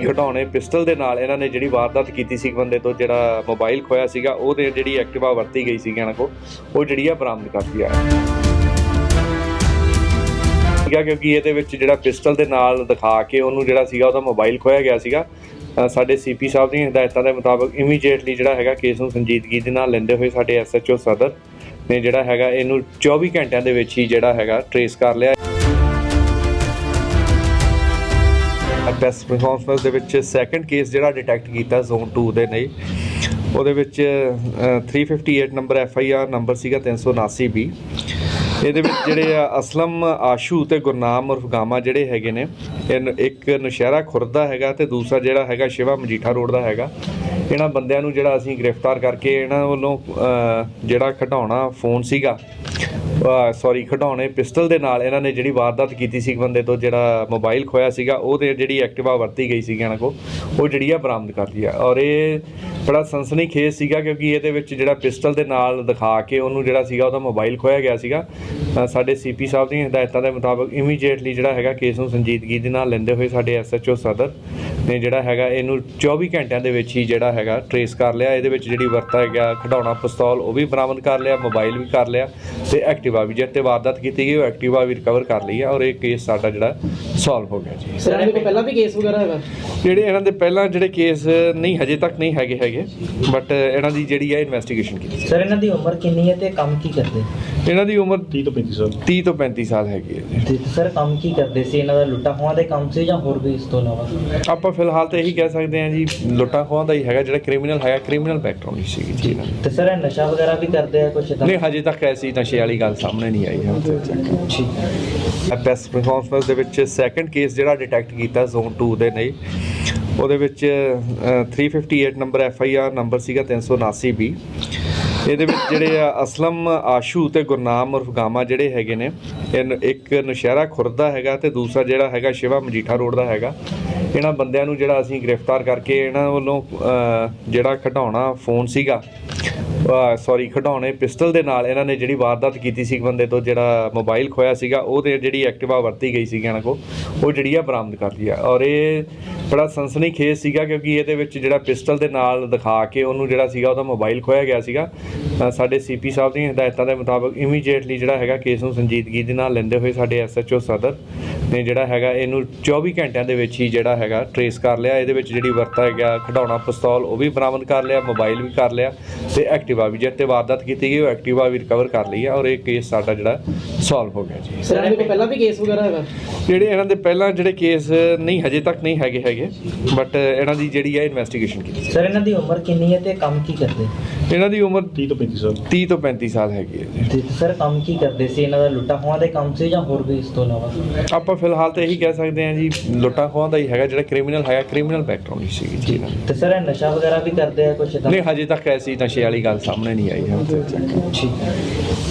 ਖਿਡੌਣੇ ਪਿਸਟਲ ਦੇ ਨਾਲ ਇਹਨਾਂ ਨੇ ਜਿਹੜੀ ਵਾਰਦਾਤ ਕੀਤੀ ਸੀ ਬੰਦੇ ਤੋਂ ਜਿਹੜਾ ਮੋਬਾਈਲ ਖੋਇਆ ਸੀਗਾ ਉਹਦੇ ਜਿਹੜੀ ਐਕਟਿਵਾ ਵਰਤੀ ਗਈ ਸੀਗੀ ਇਹਨਾਂ ਕੋਲ ਉਹ ਜਿਹੜੀ ਆ ਬਰਾਮਦ ਕਰ ਲਿਆ ਸੀਗਾ ਕਿਉਂਕਿ ਇਹਦੇ ਵਿੱਚ ਜਿਹੜਾ ਪਿਸਟਲ ਦੇ ਨਾਲ ਦਿਖਾ ਕੇ ਉਹਨੂੰ ਜਿਹੜਾ ਸੀਗਾ ਉਹਦਾ ਮੋਬਾਈਲ ਖੋਇਆ ਗਿਆ ਸੀਗਾ। ਸਾਡੇ ਸੀਪੀ ਸਾਹਿਬ ਦੀਆਂ ਹਦਾਇਤਾਂ ਦੇ ਮੁਤਾਬਕ ਇਮੀਡੀਏਟਲੀ ਜਿਹੜਾ ਹੈਗਾ ਕੇਸ ਨੂੰ ਸੰਜੀਦਗੀ ਦੇ ਨਾਲ ਲੈਂਦੇ ਹੋਏ ਸਾਡੇ ਐਸਐਚਓ ਸਦਰ ਨੇ ਜਿਹੜਾ ਹੈਗਾ ਇਹਨੂੰ 24 ਘੰਟਿਆਂ ਦੇ ਵਿੱਚ ਹੀ ਜਿਹੜਾ ਹੈਗਾ ਟਰੇਸ ਕਰ ਲਿਆ। ਬੈਸਟ ਪਰਫਾਰਮੈਂਸ ਦੇ ਵਿੱਚ ਸੈਕੰਡ ਕੇਸ ਜਿਹੜਾ ਡਿਟੈਕਟ ਕੀਤਾ ਜ਼ੋਨ 2 ਦੇ ਨੇ ਉਹਦੇ ਵਿੱਚ 358 ਨੰਬਰ FIR ਨੰਬਰ ਸੀਗਾ 379 B। ਇਹਦੇ ਵਿੱਚ ਜਿਹੜੇ ਅਸਲਮ ਆਸ਼ੂ ਤੇ ਗੁਰਨਾਮ ਉਰਫ ਗਾਮਾ ਜਿਹੜੇ ਹੈਗੇ ਨੇ ਇੱਕ ਨੌਸ਼ਹਿਰਾ ਖੁਰਦ ਦਾ ਹੈਗਾ ਤੇ ਦੂਸਰਾ ਜਿਹੜਾ ਹੈਗਾ ਸ਼ਿਵਾ ਮਜੀਠਾ ਰੋਡ ਦਾ ਹੈਗਾ। ਇਹਨਾਂ ਬੰਦਿਆਂ ਨੂੰ ਜਿਹੜਾ ਅਸੀਂ ਗ੍ਰਿਫਤਾਰ ਕਰਕੇ ਇਹਨਾਂ ਵੱਲੋਂ ਜਿਹੜਾ ਖਿਡੌਣਾ ਫੋਨ ਸੀਗਾ ਖਿਡੌਣੇ ਪਿਸਟਲ ਦੇ ਨਾਲ ਇਹਨਾਂ ਨੇ ਜਿਹੜੀ ਵਾਰਦਾਤ ਕੀਤੀ ਸੀ ਬੰਦੇ ਤੋਂ ਜਿਹੜਾ ਮੋਬਾਈਲ ਖੋਇਆ ਸੀਗਾ ਉਹਦੇ ਜਿਹੜੀ ਐਕਟਿਵਾ ਵਰਤੀ ਗਈ ਸੀਗੀ ਇਹਨਾਂ ਕੋਲ ਉਹ ਜਿਹੜੀ ਆ ਬਰਾਮਦ ਕਰ ਲਈ ਆ। ਔਰ ਇਹ ਬੜਾ ਸਨਸਨੀਖੇਜ਼ ਸੀਗਾ ਕਿਉਂਕਿ ਇਹਦੇ ਵਿੱਚ ਜਿਹੜਾ ਪਿਸਟਲ ਦੇ ਨਾਲ ਦਿਖਾ ਕੇ ਉਹਨੂੰ ਜਿਹੜਾ ਸੀਗਾ ਉਹਦਾ ਮੋਬਾਈਲ ਖੋਇਆ ਗਿਆ ਸੀਗਾ। ਸਾਡੇ ਸੀਪੀ ਸਾਹਿਬ ਦੀਆਂ ਹਦਾਇਤਾਂ ਦੇ ਮੁਤਾਬਕ ਇਮੀਡੀਏਟਲੀ ਜਿਹੜਾ ਹੈਗਾ ਕੇਸ ਨੂੰ ਸੰਜੀਦਗੀ ਦੇ ਨਾਲ ਲੈਂਦੇ ਹੋਏ ਸਾਡੇ ਐਸਐਚਓ ਸਦਰ ਨੇ ਜਿਹੜਾ ਹੈਗਾ ਇਹਨੂੰ 24 ਘੰਟਿਆਂ ਦੇ ਵਿੱਚ ਹੀ ਜਿਹੜਾ ਹੈਗਾ ਟਰੇਸ ਕਰ ਲਿਆ। ਇਹਦੇ ਵਿੱਚ ਜਿਹੜੀ ਵਰਤਾ ਗਿਆ ਖਿਡੌਣਾ ਪਿਸਤੌਲ ਉਹ ਵੀ ਬਰਾਮਦ ਕਰ ਲਿਆ, ਮੋਬਾਈਲ ਵੀ ਕਰ ਲਿਆ ਤੇ ਐਕਟਿਵਾ ਵੀ ਜਿੱਤੇ ਵਾਰਦਾਤ ਕੀਤੀ ਗਈ ਉਹ ਐਕਟਿਵਾ ਵੀ ਰਿਕਵਰ ਕਰ ਲਈ ਹੈ। ਔਰ ਇਹ ਕੇਸ ਸਾਡਾ ਜਿਹੜਾ ਸੋਲਵ ਹੋ ਗਿਆ ਜੀ। ਸਰ ਇਹਨਾਂ ਦੇ ਪਹਿਲਾਂ ਵੀ ਕੇਸ ਵਗੈਰਾ ਹੈਗਾ ਜਿਹੜੇ ਇਹਨਾਂ ਦੇ ਪਹਿਲਾਂ ਜਿਹੜੇ ਕੇਸ ਨਹੀਂ ਹਜੇ ਤੱਕ ਨਹੀਂ ਹੈਗੇ ਬਟ ਇਹਨਾਂ ਦੀ ਜਿਹੜੀ ਹੈ ਇਨਵੈਸਟੀਗੇਸ਼ਨ ਕੀਤੀ। ਸਰ ਇਹਨਾਂ ਦੀ ਉਮਰ ਕਿੰਨੀ ਹੈ ਤੇ ਕੰਮ ਕੀ ਕਰਦੇ? ਇਹਨਾਂ ਦੀ ਉਮਰ 30 ਤੋਂ 35 ਸਾਲ ਹੈਗੀ ਹੈ ਜੀ। ਸਰ ਕੰਮ ਕੀ ਕਰਦੇ ਸੀ? ਇਹਨਾਂ ਦਾ ਲੁੱਟਾਂ ਖੋਹਾਂ ਦੇ ਕੰਮ ਸੀ ਜਾਂ ਹੋਰ ਵੀ ਇਸ ਤੋਂ ਇਲਾਵਾ? ਆਪਾਂ ਫਿਲਹਾਲ ਤਾਂ ਇਹੀ ਕਹਿ ਸਕਦੇ ਹਾਂ ਜੀ ਲੁੱਟਾਂ ਖੋਹਾਂ ਦਾ ਹੀ ਹੈਗਾ ਜਿਹੜਾ ਕ੍ਰਿਮੀਨਲ ਹੈਗਾ, ਕ੍ਰਿਮੀਨਲ ਬੈਕਗ੍ਰਾਉਂਡ ਹੀ ਸੀਗੀ ਜੀ ਇਹਨਾਂ ਦੀ। ਤੇ ਸਰ ਇਹ ਨਸ਼ਾ ਵਗੈਰਾ ਵੀ ਕਰਦੇ ਆ ਕੁਝ? ਨਹੀਂ ਹਜੇ ਤੱਕ ਐਸੀ ਨਸ਼ੇ ਵਾਲੀ ਗੱਲ ਸਾਹਮਣੇ ਨਹੀਂ ਆਈ ਹੈ। ਬੈਸਟ ਪਰਫਾਰਮੈਂਸ ਦੇ ਵਿੱਚ ਸੈਕੰਡ ਕੇਸ ਜਿਹੜਾ ਡਿਟੈਕਟ ਕੀਤਾ ਜ਼ੋਨ 2 ਦੇ ਨੇ ਉਹਦੇ ਵਿੱਚ 358 ਨੰਬਰ FIR ਨੰਬਰ ਸੀਗਾ 379 B। ਇਹਦੇ ਵਿੱਚ ਜਿਹੜੇ ਅਸਲਮ ਆਸ਼ੂ ਤੇ ਗੁਰਨਾਮ ਉਰਫ ਗਾਮਾ ਜਿਹੜੇ ਹੈਗੇ ਨੇ ਇੱਕ ਨੌਸ਼ਹਿਰਾ ਖੁਰਦ ਦਾ ਹੈਗਾ ਤੇ ਦੂਸਰਾ ਜਿਹੜਾ ਹੈਗਾ ਸ਼ਿਵਾ ਮਜੀਠਾ ਰੋਡ ਦਾ ਹੈਗਾ। ਇਹਨਾਂ ਬੰਦਿਆਂ ਨੂੰ ਜਿਹੜਾ ਅਸੀਂ ਗ੍ਰਿਫਤਾਰ ਕਰਕੇ ਇਹਨਾਂ ਵੱਲੋਂ ਜਿਹੜਾ ਖਿਡੌਣਾ ਫੋਨ ਸੀਗਾ ਖਿਡੌਣੇ ਪਿਸਟਲ ਦੇ ਨਾਲ ਇਹਨਾਂ ਨੇ ਜਿਹੜੀ ਵਾਰਦਾਤ ਕੀਤੀ ਸੀ ਬੰਦੇ ਤੋਂ ਜਿਹੜਾ ਮੋਬਾਈਲ ਖੋਇਆ ਸੀਗਾ ਉਹਦੇ ਜਿਹੜੀ ਐਕਟਿਵਾ ਵਰਤੀ ਗਈ ਸੀਗੀ ਇਹਨਾਂ ਕੋਲ ਉਹ ਜਿਹੜੀ ਆ ਬਰਾਮਦ ਕਰ ਲਈ ਆ। ਔਰ ਇਹ ਬੜਾ ਸਨਸਨੀਖੇਜ਼ ਸੀਗਾ ਕਿਉਂਕਿ ਇਹਦੇ ਵਿੱਚ ਜਿਹੜਾ ਪਿਸਟਲ ਦੇ ਨਾਲ ਦਿਖਾ ਕੇ ਉਹਨੂੰ ਜਿਹੜਾ ਸੀਗਾ ਉਹਦਾ ਮੋਬਾਈਲ ਖੋਇਆ ਗਿਆ ਸੀਗਾ। ਸਾਡੇ ਸੀਪੀ ਸਾਹਿਬ ਦੀਆਂ ਹਦਾਇਤਾਂ ਦੇ ਮੁਤਾਬਕ ਇਮੀਡੀਏਟਲੀ ਜਿਹੜਾ ਹੈਗਾ ਕੇਸ ਨੂੰ ਸੰਜੀਦਗੀ ਦੇ ਨਾਲ ਲੈਂਦੇ ਹੋਏ ਸਾਡੇ ਐਸਐਚਓ ਸਦਰ ਨੇ ਜਿਹੜਾ ਹੈਗਾ ਇਹਨੂੰ 24 ਘੰਟਿਆਂ ਦੇ ਵਿੱਚ ਹੀ ਜਿਹੜਾ ਹੈਗਾ ਟਰੇਸ ਕਰ ਲਿਆ। ਇਹਦੇ ਵਿੱਚ ਜਿਹੜੀ ਵਰਤਾ ਗਿਆ ਖਿਡੌਣਾ ਪਿਸਤੌਲ ਉਹ ਵੀ ਬਰਾਮਦ ਕਰ ਲਿਆ, ਮੋਬਾਈਲ ਵੀ ਕਰ ਲਿਆ ਤੇ ਐਕਟਿਵਾ ਵੀ ਜਿੱਤੇ ਵਾਰਦਾਤ ਕੀਤੀ ਗਈ ਉਹ ਐਕਟਿਵਾ ਵੀ ਰਿਕਵਰ ਕਰ ਲਈ ਹੈ। ਔਰ ਇਹ ਕੇਸ ਸਾਡਾ ਜਿਹੜਾ ਸੋਲਵ ਹੋ ਗਿਆ ਜੀ। ਸਰ ਇਹਨਾਂ ਦੇ ਪਹਿਲਾਂ ਵੀ ਕੇਸ ਵਗੈਰਾ ਹੈਗਾ ਜਿਹੜੇ ਇਹਨਾਂ ਦੇ ਪਹਿਲਾਂ ਜਿਹੜੇ ਕੇਸ ਨਹੀਂ ਹਜੇ ਤੱਕ ਨਹੀਂ ਹੈਗੇ ਬਟ ਇਹਨਾਂ ਦੀ ਜਿਹੜੀ ਹੈ ਇਨਵੈਸਟੀਗੇਸ਼ਨ ਕੀਤੀ। ਸਰ ਇਹਨਾਂ ਦੀ ਉਮਰ ਕਿੰਨੀ ਹੈ ਤੇ ਕੰਮ ਕੀ ਕਰਦੇ? ਇਹਨਾਂ ਦੀ ਉਮਰ 30 ਤੋਂ 35 ਸਾਲ ਹੈਗੀ ਹੈ ਜੀ। ਸਰ ਕੰਮ ਕੀ ਕਰਦੇ ਸੀ? ਇਹਨਾਂ ਦਾ ਲੁੱਟਾਂ ਖੋਹਾਂ ਦੇ ਕੰਮ ਸੀ ਜਾਂ ਹੋਰ ਵੀ ਇਸ ਤੋਂ ਇਲਾਵਾ? ਆਪਾਂ ਫਿਲਹਾਲ ਤਾਂ ਇਹੀ ਕਹਿ ਸਕਦੇ ਹਾਂ ਜੀ ਲੁੱਟਾਂ ਖੋਹਾਂ ਦਾ ਹੀ ਹੈਗਾ ਜਿਹੜਾ ਕ੍ਰਿਮੀਨਲ ਹੈਗਾ, ਕ੍ਰਿਮੀਨਲ ਬੈਕਗ੍ਰਾਉਂਡ ਹੀ ਸੀਗੀ ਜੀ ਇਹਨਾਂ ਦੀ। ਤੇ ਸਰ ਇਹ ਨਸ਼ਾ ਵਗੈਰਾ ਵੀ ਕਰਦੇ ਆ ਕੁਝ? ਨਹੀਂ ਹਜੇ ਤੱਕ ਐਸੀ ਨਸ਼ੇ ਵਾਲੀ ਗੱਲ ਸਾਹਮਣੇ ਨਹੀਂ ਆਈ ਹੈ।